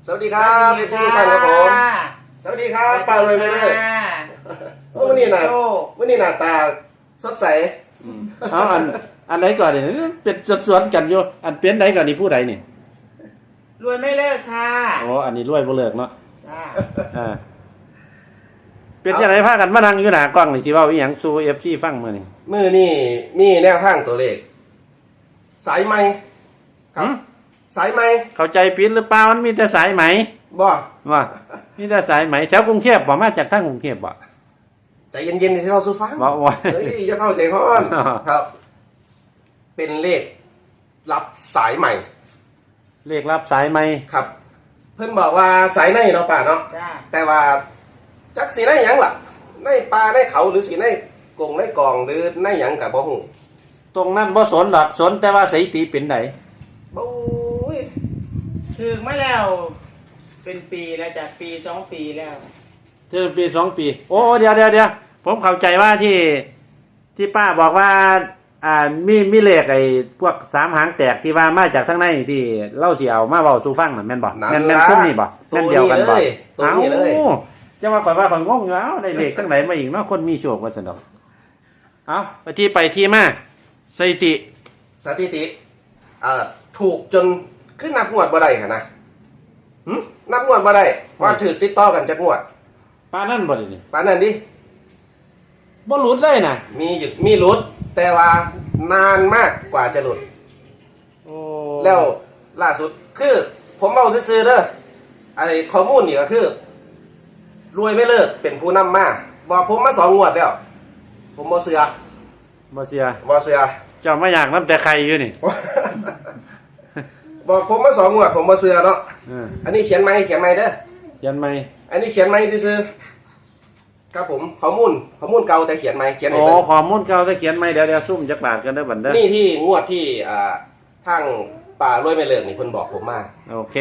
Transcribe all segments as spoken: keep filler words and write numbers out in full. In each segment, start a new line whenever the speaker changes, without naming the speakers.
สวัสดีครับทุกท่านครับผมสวัสดีครับปาเลยไม่เลยวันนี้หน้าวันนี้หน้าตาสดใส
เอาอันอันไหนก่อนเนี่ยเป็นสวนกันอยู่อันเป็นไหนก่อนนี่ผู้ใดนี่
รวยไม่เลิกค่ะ
อ๋ออันนี้รวยบ่เลิกเนาะอ่าเป็นจังได๋พากันมานั่งอยู่หน้ากล้องนี่สิเว้าอีหยังสู่ เอฟ ซี ฟังมื้อนี้
มื้อนี้มีแนวทางตัวเลขสายไหมครับสายไหม
เข้าใจผิดหรือเปล่ามันมีแต่สายไหม
บ่
ว่ามีแต่สายไหมแถวกรุงเทพบ่มาจากทางกรุงเทพบ่
ใจเย็นๆสิเว้าสู่ฟัง
บ่ว่า
เฮ้ยอย่าเข้าใจฮ้อนครับ เป็นเลขรับสายใหม่
เลขรับสายไหม
ครับเพิ่นบอกว่าสายในเนาะป่าเนาะแต่ว่าจักสีในหยังล่ะในป่าในเขาหรือสีในกงในกองหรือในหยังก็บ่ฮู้
ตรงนั้นบ่สนดอกสนแต่ว่าสถิติเป็นได
บ่ย
ถึงมาแล้วเป็นปีแล้วจากปีสองปีแล้ว
ถึงปีสองปีโอ้เดี๋ยวๆๆผมเข้าใจว่าที่ที่ป้าบอกว่าอ่ามีมีเลขไอ้พวกสามหางแตกที่ว่ามาจากทางในที่เล่าสิเอามาเว้าสู่ฟังน่ะแม่นบ่แม่นแม่นซุ่มนี่บ่แม่นเดียวกันบ่
ตัวนี้เลย
จังว่าข่อยว่าข่อยงงอยู่เอ้าได้เลขทั้งไหนมาอีกเนาะคนมีโชคว่าซั่นดอกเอ้าไปที่ไปที่มาสถิติ
สถิติเอ่อถูกจนขึ้นนับงวดบ่ได้หั่นนะหึนับงวดบ่ได้ว่าถือติดต่อกันจักงวด
ปานนั้นบ่ดินี่
ปานนั้นดิ
บ่หลุดเลยน่ะ
มีหยุดมีหลุดแต่ว่านานมากกว่าจะหลุด
โอ้
แล้วล่าสุดคือผมเอาซื่อๆเด้อไอ้ข้อมูลนี่ก็คือรวยไม่เลิกเป็นผู้นำมาบอกผมมาสองงวดแล้วผมบ่เชื่อ
บ่เชื่อ
บ่เชื่อ
เจ้ามาอยากนำแต่ใครอยู่นี่
บอกผมมาสองงวดผมบ่เชื่อเนาะอันนี้เขียนใหม่เขียนใหม่เด้อ
เขียนใหม่
อันนี้เขียนใหม่ซื่อๆครับผมข้อมูลข้อมูลเก่าแต่เขียนใหม่เขียนให้
เบิ่ง
อ๋
อข้อมูลเก่าแต่เขียนใหม่เดี๋ยวๆซุ่มจักบาทกันเด้อบัดเด้อ
นี่ที่งวดที่อ่าทางป่ารวยไม่เลิกนี่เพิ่นบอกผมมา
โอเค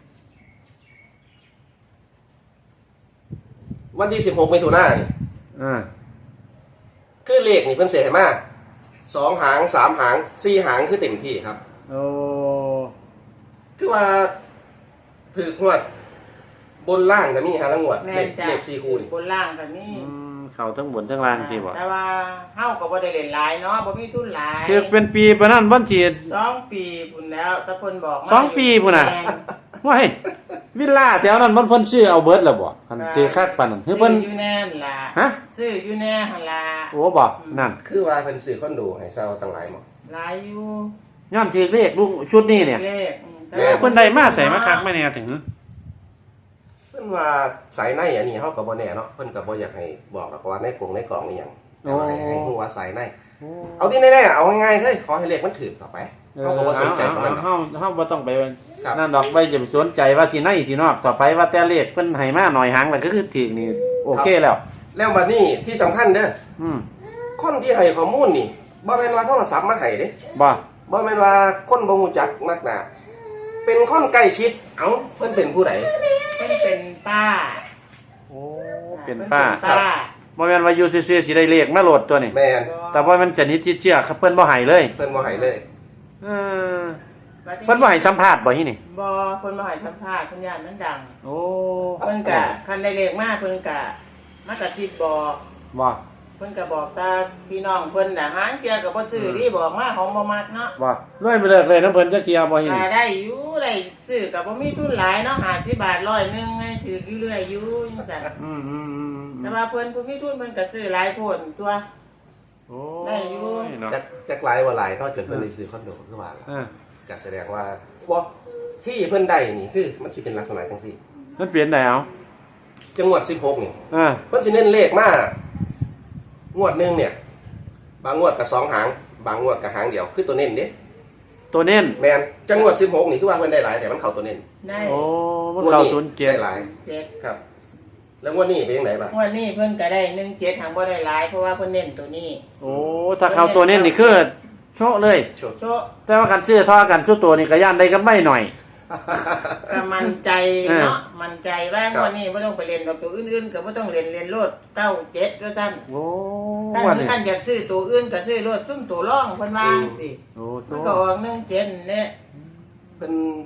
วันที่สิบหกมิถุนายนนี่
อ่า
คือเลขนี่เพิ่นเสียให้มาสองหางสามหางสี่หางคือเต็มที่ครับ
โอ้
คือว่าถือกงวดบนล่างก็มีหาละงวดเลขเลขสี่คู่นี่
บนล่างก็มี
อืมเข้าทั้งบนทั้งล่างที่บ่
แต่ว่าเฮาก็บ่ได้เล่นหลายเนาะบ่มีทุนหลาย
คือเป็นปีปานนั้นวันที่
สองปีพุ่นแล้วแต่เพิ่นบอกมา
สองปีพุ่นน่ะว้ายวิลล่าแถวนั้นมันเพิ่นซื้อเอาเบิดแล้วบ่อันที่คักปานนั้นคือเพิ่น
อยู่แน่นล่ะ
ฮะ
ซื้ออยู่แน่หั่นล่ะ
โอ้บ่นั่น
คือว่าเพิ่นซื้อคอนโดให้เช่าตั้งหลายหม้อ
หลายอยู่
ย้อนถือเลขลุงชุดนี้เนี่ย
เลข
แต่เพิ่นได้มาใส่มาคักมาแน่ถึง
เพิ่นว่าสายในอันนี้เฮาก็บ่แน่เนาะเพิ่นก็บ่อยากให้บอกหรอกว่าในกรงในกล่องนี่หยังเอาให้ให้ฮู้ว่าสายในเอาที่แน่ๆเอาง่ายๆเฮ้ยขอให้เลขมันถูกต่อไปเฮาก็บ่สนใจตรงนั้น
เฮาเฮาบ่ต้องไปนั่นดอกไปจะสนใจว่าสิในสินอกต่อไปว่าแต่เลขเพิ่นให้มาหน่อยหางแล้วก็คือถูกนี่โอเคแล้ว
แล้วบัดนี้ที่สำคัญเด้อ
อืม
คนที่ให้ข้อมูลนี่บ่แม่นว่าโทรศัพท์มาให้เด้
บ่
บ่แม่นว่าคนบ่ฮู้จักนักหนาเป็นคนใกล้ชิดเอ้าเพิ่นเป็นผู้ใด
เพิ่นเป็นป้า
โอ้เป็นป้าบ่แม่นว่าอยู่ซื่อๆสิได้เลขมาโหลดตัวนี่
แม่น
แต่ว่ามันชนิดที่เชื่อเพิ่นบ่ให้เลย
เพิ่นบ่ให้เลย
เออเพิ่นบ่ให้สัมภาษณ์บ่ฮินี่
บ่เพิ่นบ่ให้สัมภาษณ์เพิ่นย่านมันดัง
โอ้
เพิ่นก็คันได้เลขมาเพิ่นก็มากระซิบบอก
บ่
เพิ่นก็บอกตาพี่น้องเพิ่นน่ะหางเกียก็บ่ซื้อที่บอกมาของบ่มักเนาะ
บ่รวยไปเลิกเลยนำเพิ่นจักเที่ยบ่ฮินี่
ได้อยู่ได้ซื้อก็บ่มีทุนหลายเนาะห้าสิบบาทร้อยนึงไงถืออยู่เรื่อยอยู่จังซั่น
อืมๆๆ
แต่ว่าเพิ่นผู้มีทุนเพิ่นก็ซื้อหลายโพดตัว
โอ้
ได้อยู่
จักจักหลายว่าหลายก็จนเพิ่นได้ซื้อคอนโดคือว่าล่ะก็แสดงว่าบ่ที่เพิ่นได้นี่คือมันสิเป็นลักษณะจังซี่
มันเปลี่ยนได้เอา
จังหวัดสิบหกนี่
อ่า
เพิ่นสิเน้นเลขมางวดนึงเนี่ยบางงวดก็สองหางบางงวดก็หางเดียวคือตัวเน้นเด้
ตัวเน้น
แม่นจังหวัดสิบหกนี่คือว่าเพิ่นได้หลายแต่มันเข้าตัวเน้น
ได้
โอ้มันเข้าศูนย์เจ็ด
ได้หลาย
เจ็ด
ครับแล้วงวดนี้เป็นจังได๋บ่
งวดนี้เพิ่นก็ได้หนึ่งเจ็ดหางบ่ได้หลายเพราะว่าเพิ่นเน้นตัวนี้
โอ้ถ้าเข้าตัวเน้นนี่คือโชะเลย
โ
ชะ
แต่ว่าคันซื้อท่อกันสู้ตัวนี่ก็ย่านได้กำไรหน่อย
ก็มั่นใจเนาะมั่นใจว่างวดนี้บ่ต้องไปเล่นกับตัวอื่นๆก็บ่ต้องเล่นเล่นโลดเก้าเจ็ดก็ซั่น
โอ้
คันคันอยากซื้อตัวอื่นก็ซื้อโลดซุ่มตัวรองเพิ่นว่าจังซี่โอ้ก็ออกหนึ่งเจ็ดเนี่ย
เพิ่น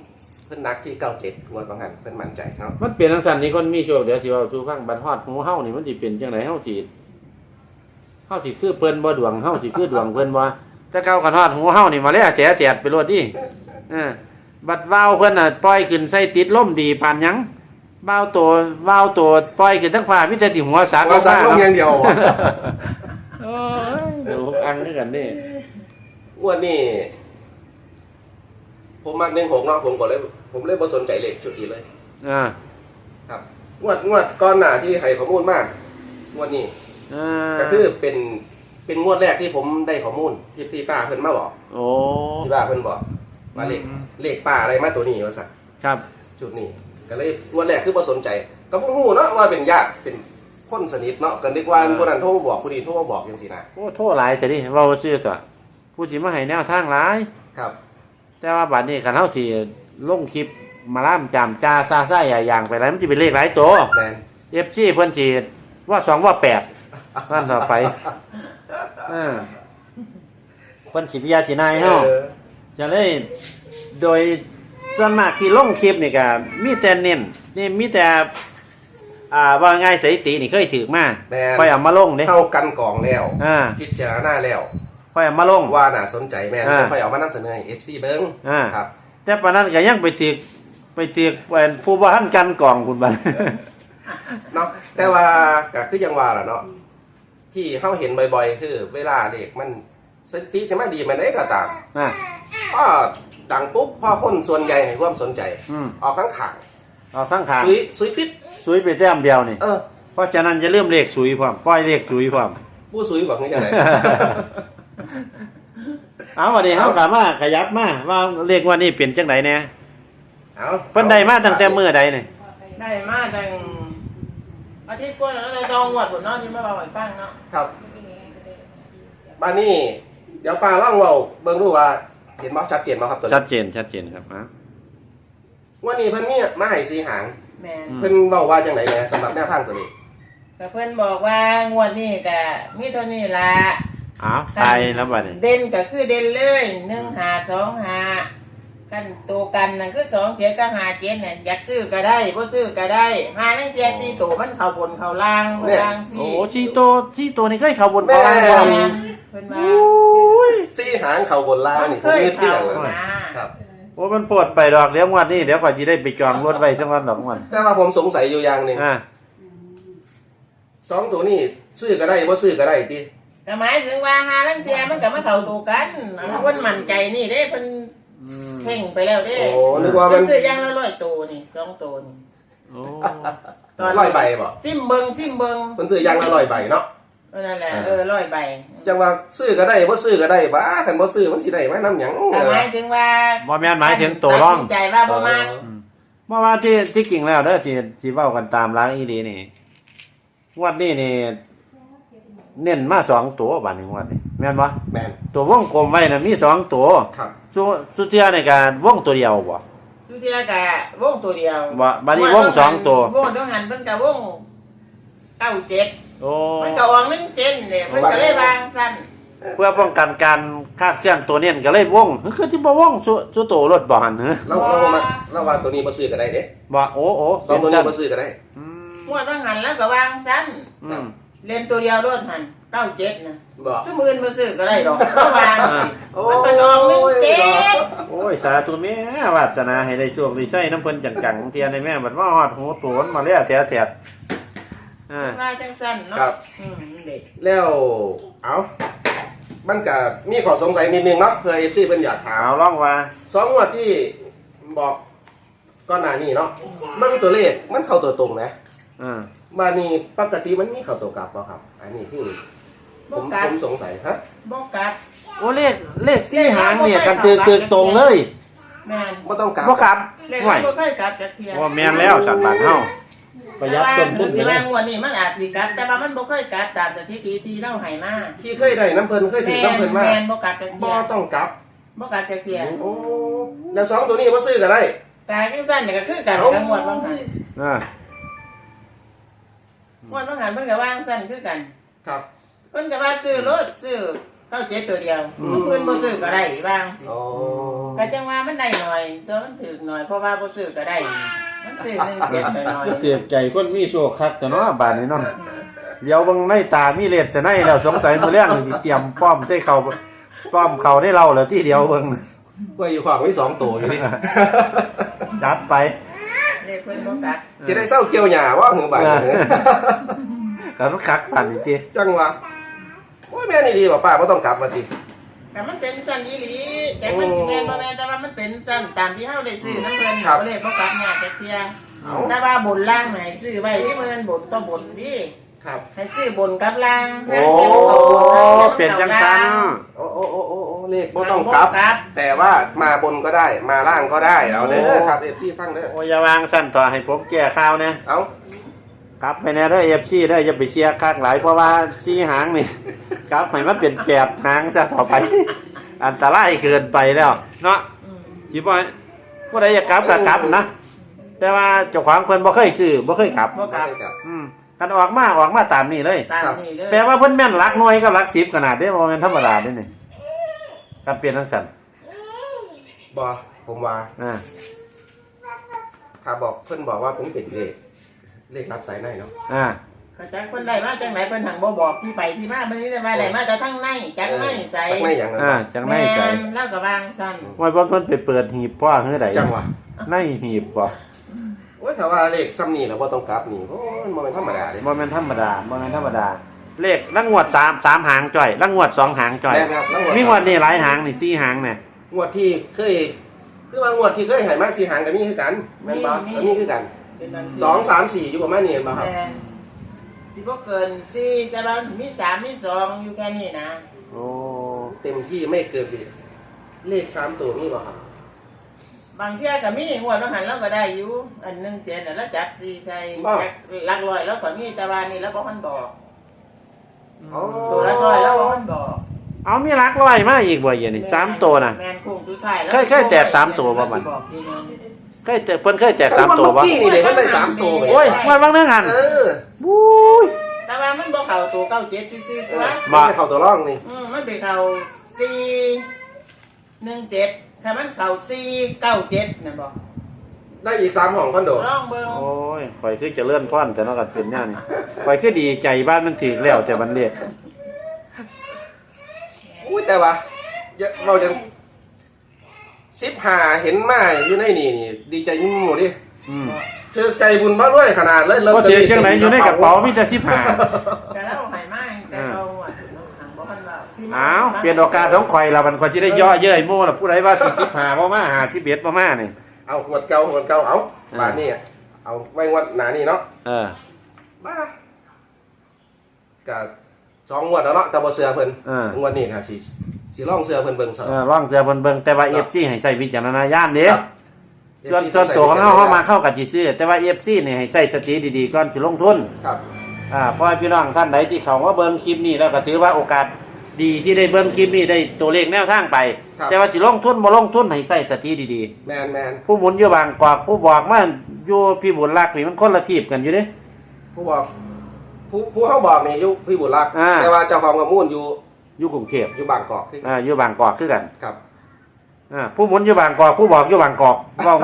เพิ่นนักที่เก้าเจ็ดงวดบางหันเพิ่นมั่นใจเนาะ
มันเปลี่ยนทังสันนี่คนมีโชคเดี๋ยวสิเว้าสู่ฟังบัดฮอดหูเฮานี่มันสิเป็นจังไดเฮาสิเฮาสิคือเพิ่นบ่ดวงเฮาสิคือดวงเพิ่นบ่แต่เก่ากันฮอดหูเฮานี่มาแล้วแจ๋ๆไปโลดดิเออบัดว้าวเพิ่นน่ะปล่อยขึ้นใส่ติดลมดีปานหยังว้าวตัวว้าวตัวปล่อยขึ้นทั้งฟ้ามีแต่ที่หัวสาก
ว่าสักลงอย่างเดียวบ่
โอ้ยเดี๋ยวอังคือกันนี่
งวดนี้ผมมักหนึ่งหกเนาะผมก็เลยผมเลยบ่สนใจเลขชุดนี้เลย
อ่า
ครับงวดงวดก่อนหน้าที่ให้ข้อมูลมากงวดนี้
อ่า
ก็คือเป็นเป็นงวดแรกที่ผมได้ข้อมูลที่พี่ป้าเพิ่นมาบอก
โอ้
พี่ป้าเพิ่นบอกว่าเลข
อืม
เลขป้าอะไรมาตัวนี้ว่าซั่น
ครับ
จุดนี้ก็เลยงวดแรกคือบ่สนใจก็บ่ฮู้เนาะว่าเป็นญาติเป็นคนสนิทเนาะก็นึกว่าผู้นั้นโทรมาบอกผู้นี้โทรมาบอกจังซี่นะ
โอ้โทษหลายแต่ดิเว้าซื่อตัวผู้สิมาให้แนวทางหลาย
ครับ
แต่ว่าบัดนี้คันเฮาสิลงคลิปมาล่ามจามจ้าซาซ่าอย่าอย่างไปแล้วมันสิเป็นเลขหลายตัว
แม่น
เอฟซีเพิ่นสิว่าสองว่าแปดนั่นต่อไปเออเพิ่นสิพิยาสินายเฮา
เออ
จะเลยโดยส่วนมากที่ลงคลิปนี่ก็มีแต่เน้นนี่มีแต่อ่าว่าง่ายสถิตินี่เคยถือมา
แม่น
ค่อยเอามาลงเด้
เข้ากันกองแล้ว
อ่า
พิจารณาแล้ว
ค่อยเอามาลง
ว่าน่าสนใจแม่น
อ่า
ค่อยเอามานำเสนอให้ เอฟ ซี เบิ่ง
อ่า
ครับ
แต่ปานนั้นก็ยังไปถือไปถือเป็นผู้บ่ทันกันกองคุณบัด
เนาะแต่ว่าก็คือยังว่าล่ะเนาะที่เฮาเห็นบ่อยๆ คือ เวลาเด็กมันสติสมาดีมันได้ก็ตาม
อ่า
พอดังปุ๊บพอคนส่วนใหญ่ให้ความสนใจ
อืม
ออกข้างขาง
เอาทั้งขาง
ซุยซุยพิษ
สุยไปแต้มเดียวนี่
เออ
เพราะฉะนั้นจะเริ่มเลขสุยพร้อมปล่อยเลขสุยพร้อม
ผู้ซุยบอกนี่จังได๋
เอาวันนี้เฮากลับมาขยับมาว่าเลขว่านี่เป็นจังไดแน่
เอา
เพิ่นได้มาตั้งแต่มื้อใดนี่
ได้มาตั้งอาทิตย์กว่าแล้วเลยจองงวดพุ่นเนาะที่มาเว้าให้ฟังเนาะ
ครับบ้านนี้เดี๋ยวป้าล่องเว้าเบิ่งดูว่าเห็นบ่ชัดเจนบ่ครับตัวนี้
ชัดเจนชัดเจนครับอ่ะ
วันนี้เพิ่นมีมาให้สีหาง
แม่น
อืม
เพิ่นเว้าว่าจังไดแหน่สำหรับแนวทางตัวนี้
แต่เพิ่นบอกว่างวดนี้ก็มีเท่านี้ล่ะ
อ้าวตายแล้วบัดนี้
เด่นก็คือเด่นเลยหนึ่งหาสองหากันตัวกันนั่นคือสองเจ็ดกับหาเจ็ดเนี่ยอยากซื้อก็ได้บ่ซื้อก็ได้หานั่งเจ็ดสี่ตัวมันเข้าบนเข้าล่างบนล่าง
โอ้
สี่
ชีโตชีโตนี่เคยเข้าบนเข้าล่างบ่
แม่
นี่
นเพิ่นว่า
สีหางเข้าบนล่าง
มัน
นี่
เค
ผม
ย
นึกที่
เข้า
หลัง
นะ
ครับ
โอ้มันปวดไปดอกเดี๋ยวงวดนี้เดี๋ยวข่อยสิได้ไปจองรถไว้สักวันดอกมัน
แต่ว่าผมสงสัยอยู่อย่างหนึง
อ่า
สองตัวนี้ซื้อก็ได้บ่ซื้อก็ได้ติ
แต่หมายถึงว่าหาลังเทียมันก็มาเข้าตัวกันอันเพิ่นมั่นใจนี่เด้เพิ่น
อืม
เพ่งไปแล้วเด้
โอ้นึกว่า
เพิ่
มัน น
ซื้อย่างละร้อยตัวนี่สองตัวนี่
โอ้
ร้อยใบบ่
ซิมเบิงซิมเบิง
เพิ่นซื้อย่างละร้อยใบเนาะ
เออนั่นแหละเออร้อยใบ
จังว่าซื้อก็ได้บ่ซื้อก็ได้บ้าคันบ่ซื้อมันสิได้มานํหยัง
แต่หมายถึงว่า
บ่แม่นหมายถึงตัวร่อง
ตัดสินใจว่าบ่มาก
เมื่อว่าที่ที่จริงแล้วเด้อที่ที่เว้ากันตามร้านอีดีนี่งวดนี้นี่เน้นมาสองตัวบัดนี้งวดนี้แม่นบ่
แม่น
ตัววงกลมไว้น่ะมีสองตัว
ครับ
สุสุเทียในการวงตัวเดียวบ่
สุเทียกะวงตัวเดียว
บ่บัดนี้วงสองตัว
วงต้องหันเพิ่นกะวงเก้าเจ็ด
โอ้
มันก็ออกหนึ่งเจ็ดเนี่ยเพิ่นก็เลยวางสั้น
เพื่อป้องกันการคาดเคลื่อนตัวเน้นก็เลยวงคือที่บ่วงสุสุโตรถบ่หันเหรอ
เราเราบ่มาเราว่าตัวนี้บ่ซื้อก็ได้เด้
บ่โอ้โอ้
สองตัวนี้บ่ซื้อก็ได้
อืม
งวดต้องหันแล้วก็วางสั้น
อืม
เล่นตัวเดียวรถหันเก้าเจ็ดนะ
บ่
ชั่วมือบ่ซื้อก็ได้ดอกก็วาง
โอ้
มันเป็นออกหนึ่งเจ็ด
โอ้ยสาธุแม่วาสนาให้ได้โชคได้ใช้น้ำเพิ่นจังๆเทียนได้แม่บัดว่าฮอดหูโตนมาแล้วแท้ๆอ่า
ลายจังสั้นเนาะ
ครับ
อืมเด็ก
แล้วเอามันก็มีข้อสงสัยนิดนึงเนาะเพื่อ เอฟ ซี เพิ่นอยากถาม
เอาล่องว่า
สองงวดที่บอกก่อนหน้านี้เนาะมันตัวเลขมันเข้าตัวตรงนะ
อ่า
มานี่ปกติมันมีเข้าตัวกลับบ่ครับ อันนี้ที่ผ
บ่
ม
กั
ผ
ด
มสงสัยฮะ
บ่กัด
โอ้เลขเลขสี่หางเนี่ยกันตึกตึกตรงเลย
แม่น
บ่ต้องกลับ
บ่ครับ
เล็ก
ห่วย
บ่ค่อยกลับจักเที่ย
ว่าแม่นแล้วสัตว์บ้านเฮาประหยัดต้นทุน
แต่
ไป
ว่า
เลย
งวดนี้มันอาจสิกลับ แต่ว่ามันบ่ค่อยกลับตามสถิติที่เราให้มา
ที่เคยได้น้ำเพิ่นเคยถึงน้ำเพิ่นมา
แม่นบ่กลับจัก
บ่
เที่ย
ต้องกลับ
บ่กลับจักเที่ย
โอ้แล้วสองตัวนี้บ่ซื้อก็ได้
กายจังซั่นนี่ก็คือกันกับงวดบางหัน
อ่าง
วดบางหันเพิ่นก็วางซั่นคือกัน
ครับ
เพิ่นก็ว่าซื้อรถซื้อเก้าเจ็ดตัวเดียวเพื่อนบ่ซื้อก็ได้บ้าง
โอ้
ก็จังว่ามันได้หน่อยตัวมันถึกหน่อยเพราะว่าบ่ซื้อก็ได้มันซื้อหนึ่งเจ็ดหน่อย
คือเตียกใจคนมีโชคคักแต่เนาะบาดนี้เนาะเดี๋ยวเบิ่งในตามีเลดซะในแล้วสงสัยมื้อแรกนี่สิเตรียมป้อมใส่เขาป้อมเขาได้เราแล้วที่เดียวเบิ่ง
กล้วยอยู่ขวางไว้สองตัวอยู่นี่
จัดไป
เลขเพิ่นบ่กัก
สิได้เศร้าเกี่ยวหญ้าว่าหือบาดนี้
กันคักปานนี้ติ
จังหวะโอ้ยแม่นี่ดีบ่ป้าบ่ต้องกลับมาติ
แต่มันเป็นสั้นอีหลีแต่มันสิแม่นบ่แม่นแต่ว่ามันเป็นสั้นตามที่เฮาได้ซื้อน้ำเพิ่น
ครับ
บ่เลยบ่กักยากจักเที่ย
เอา
แต่ว่าบนล่างไหนซื้อไว้ที่เพิ่นบนต้องบนพี่
ครับ
ให้ซื้อบนกับล่าง
โอ้เป็นจังซั่น
โอ้โอ้โอ้โอ้โอ้เลขบ่ต้องกลับ แต่ว่ามาบนก็ได้มาล่างก็ได้เอาเด้อครับ เอฟ ซี ฟังเด้อ
โอ้อย่าวางซั่นต่อให้ผมแก้ข่าวแน่
เอา
กลับไปแน่เด้อ เอฟ ซี เด้ออย่าไปเชียร์คักหลายเพราะว่าสี่หางนี่กลับให้มันเป็นแปดหางซะต่อไป อันตรายเกินไปแล้วเนาะ
อืม
สิบ่ผู้ใดอยากกลับก็กลับนะแต่ว่าเจ้าของเพิ่นบ่เคยซื้อบ่เคยกลับ
บ่กลับ
ครับ
อืมกันออกมาออกมาตามนี้เลย
ตามนี้เลย
แปลว่าเพิ่นแม่นหลักหน่วยกับหลักสิบขนาดเด้บ่แม่นธรรมดาเด้นี่กันเปลี่ยนจังซั่น
บ่ผมว่า
อ่า
ถ้าบอกเพิ่นบอกว่าผมเป็นเลขเลขรับสายในเนาะ
อ่า
เขาจักเพิ่นได้มาจังไหนเพิ่นหังบ่บอกที่ไปที่มาเพิ่นนี่แต่ว่าได้มาแต่ทั้งในจังในใส่
จังในอย่างนั้น
อ่าจังได๋ใจ
แม่นแล้วก็วางซั่น
ว่าบ่เพิ่นไปเปิดหีบพ่อเฮือใด
จังหวะ
ในหีบบ่
โอ้ยถ้าว่าเลขซ้ำนี่แล้วบ่ต้องกลับนี่โอ้ยบ่เป็นธรรมดาเด้
บ่แม่นธรรมดาบ่แม่นธรรมดา เลขลังงวดสาม สามหางจ่อยลังงวดสองหางจ่อย
แม่นครับแล้ว
มีงวดนี่หลายหางนี่สี่หางเนี่ย
งวดที่เคยคือว่างวดที่เคยให้มาสี่หางก็มีคือกันแม่นบ่ก็มีคือกัน
เป็นอัน
สองสามสี่อยู่ประมาณนี้เห็นบ่ครับ
แม่นสิบ่เกินสี่แต่ว่ามันมีสามมีสองอยู่แค่นี้นะ
โอ้
เต็มที่ไม่เกินสิเลขสามตัวมีบ่ครับ
บางเที่ยก็มีงวดต้องหันแล้วก็ได้อยู่อันหนึงเจ็ดน่ะแล้วจับสี่ใส่จักหลักร้อยแล้วก็มีแต่ว่านี่แล้วบ่มันบอก
อ๋อ
ตัวละร้อยแล้วบ่มันบอก
เอามีหลักร้อยมาอีกบ่เดี๋ยวนี้สามตัวน่ะ
แม่นคงสุดท้ายแล้ว
เคยเคยแจกสามตัวบ่มัน
บอกทีนึง
เคยแจกเพิ่นเคยแจกสามตัวบ่
เมื่อกี้นี่เลยมันได้สามตัวไง
โอ้ยงวดบางนึงหัน
เออ
บู๊ย
แต่ว่ามันบ่เข้าตัวเก้าเจ็ดซื่อๆตัว
บ่
ไม่เข้าตัวร่องนี่
อืมมันไปเข้าสี่หนึ่งเจ็ดถ้ามันเข้าสี่เก้าเจ็ดนั่นบ่
ได้อีกสามห้องคอนโด
ลองเบิ่ง
โอ้ยข่อยคือจะเลื่อนพ่อนแต่เนาะก็เป็นแนวนี้ข่อยคือดีใจบ้านมันถึกแล้วแต่มันเรียก
อุ้ยแต่ว่าเยอะเราจะสิบหาเห็นมาอยู่ในนี่นี่ ดีใจยิ่งหมดดิ
อืม
เธอใจบุญมาด้วยขนาดเลย
บ่ถือจังไหนอยู่ในกระเป๋ามีแต่สิบห้า
ก็แล้วให้มาแต่เราอ่ะทางบ่ทันว่าที่มา
อ้าวเปลี่ยนโอกาสของข่อยละมันข่อยสิได้ย่อเย้ยโม่ล่ะผู้ใดว่าสิสิบห้าบ่มาหาสิบเอ็ดบ่มานี่
เอาหวดเก่าหวดเก่าเอาบ้านนี่เอาไว้งวดหนานี่เนาะ
เออ
บ้ากับสองงวดแล้วเนาะแต่บ่เสือเพิ่น
เออ
งวดนี้ค่ะสิสิลองเสือเพิ่นเบิ่งซะ
เออร่องเสือเบิ่นเบิ่งแต่ว่า เอฟ ซี ให้ใช้วิจารณญาณเด้
ครับ
ส่วนส่วนตัวของเฮาเฮามาเข้ากับสิซื้อแต่ว่า เอฟ ซี นี่ให้ใช้สติดีๆก่อนสิลงทุน
ครับ
อ่าเพราะว่าพี่น้องท่านใดที่เขาว่าเบิ่งคลิปนี้แล้วก็ถือว่าโอกาสดีที่ได้เบิ่งคลิปนี้ได้ตัวเลขแนวทางไป แต่ว่าสิลงทุนบ่ลงทุนให้ใส่สติดี
แมนแมน
ๆผู้หมุนอยู่บางกอกผู้บอกมาอยู่พี่บุญรักนี่มันคนละทีบกันอยู่เด้
ผู้บอก ผู้ผู้เฮาบอกนี่อยู่พี่บุญรักษ์
อ่า
แต่ว่าเจ้าของข้อมูลอยู่
อยู่กรุงเทพ
อยู่บางกอกคือ
อ่าอยู่บางกอกคือกัน
ครับ
อ่าผู้หมุนอยู่บางกอกผู้บอกอยู่บางกอกเว้า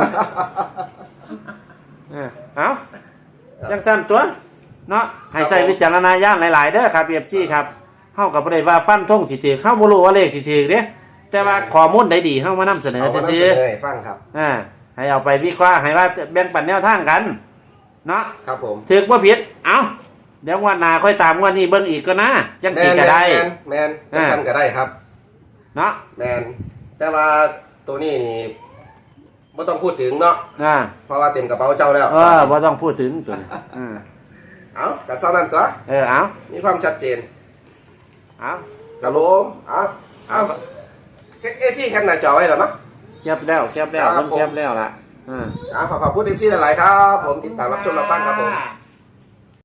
เออเอ้าจังซั่นตัวเนาะให้ใส่วิจารณญาณหลายๆเด้อครับ เอฟ ซี ครับเฮาก็บ่ได้ว่าฟันธงสิถือเฮาบ่รู้ว่าเลขสิถือเด้แต่ว่าข้อมูลใดดีเฮามานำเสนอ
เอามา
ซื่
นำ
อ
เสนอให้ฟังครับ
ๆอ่าให้เอาไปวิเคราะห์ให้ว่าแบ่งปันแนวทางกันเนาะ
ครับผม
ถือบ่ผิดเอ้าเดี๋ยวงวดหน้าค่อยตามงวดนี้เบิ่งอีกก็นะจังสิก็ได้
แมนแมนแมนจังซั่นก็ได้ครับ
เนาะ
แมนแต่ว่าตัวนี้นี่บ่ต้องพูดถึงเนาะ
อ่า
เพราะว่าเต็มกระเป๋าเจ้าแล้ว
เออบ่ต้องพูดถึงตัวนี้อืม
เอากัดเท่านั้นตัว
เออเอา
มีความชัดเจน
เอา
ครับผมเอาเอาเอซี่แคปหน้าจอไว้แล้วเนาะ
แคบแล้วแคบแล้ว
ครั
มั
บ
น
ผม
แคบแล้วล่ะอ่า
เอาขอขอบคุณเอซี่หลายๆครับ ผมติดตามรับชมรับฟังครับผม
อ่า